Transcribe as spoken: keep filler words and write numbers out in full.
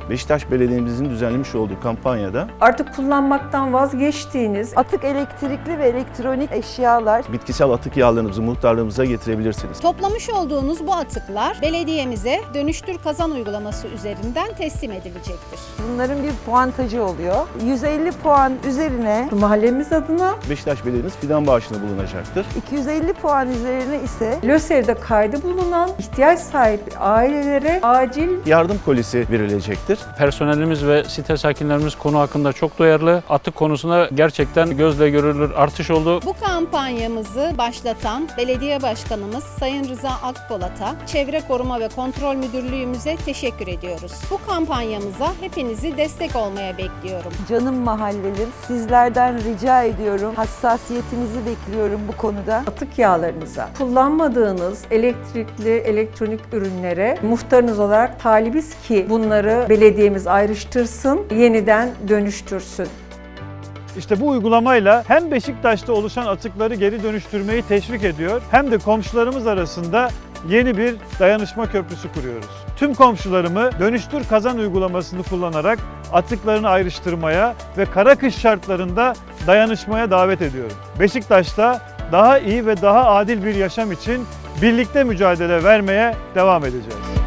Beşiktaş Belediye'mizin düzenlemiş olduğu kampanyada Artık kullanmaktan vazgeçtiğiniz Atık elektrikli ve elektronik eşyalar. bitkisel atık yağlarınızı muhtarlığımıza getirebilirsiniz. Toplamış olduğunuz bu atıklar belediyemize Dönüştür Kazan uygulaması üzerinden teslim edilecektir. Bunların bir puantajı oluyor. yüz elli puan üzerine, mahallemiz adına Beşiktaş Belediye'miz fidan bağışında bulunacaktır. iki yüz elli puan üzerine ise LÖSEV'de kaydı bulunan ihtiyaç sahibi ailelere acil Yardım kolisi verilecektir. Personelimiz ve site sakinlerimiz konu hakkında çok duyarlı. Atık konusunda gerçekten gözle görülür artış oldu. Bu kampanyamızı başlatan Belediye Başkanımız Sayın Rıza Akpolat'a, Çevre Koruma ve Kontrol Müdürlüğümüze teşekkür ediyoruz. Bu kampanyamıza hepinizi destek olmaya bekliyorum. canım mahallelim, sizlerden rica ediyorum. Hassasiyetinizi bekliyorum bu konuda. atık yağlarınıza, kullanmadığınız elektrikli, elektronik ürünlere muhtarınız olarak talibiz ki bunları belediyemiz ayrıştırsın, yeniden dönüştürsün. İşte bu uygulamayla hem Beşiktaş'ta oluşan atıkları geri dönüştürmeyi teşvik ediyor, hem de komşularımız arasında yeni bir dayanışma köprüsü kuruyoruz. Tüm komşularımı Dönüştür Kazan uygulamasını kullanarak atıklarını ayrıştırmaya ve kara kış şartlarında dayanışmaya davet ediyorum. Beşiktaş'ta daha iyi ve daha adil bir yaşam için birlikte mücadele vermeye devam edeceğiz.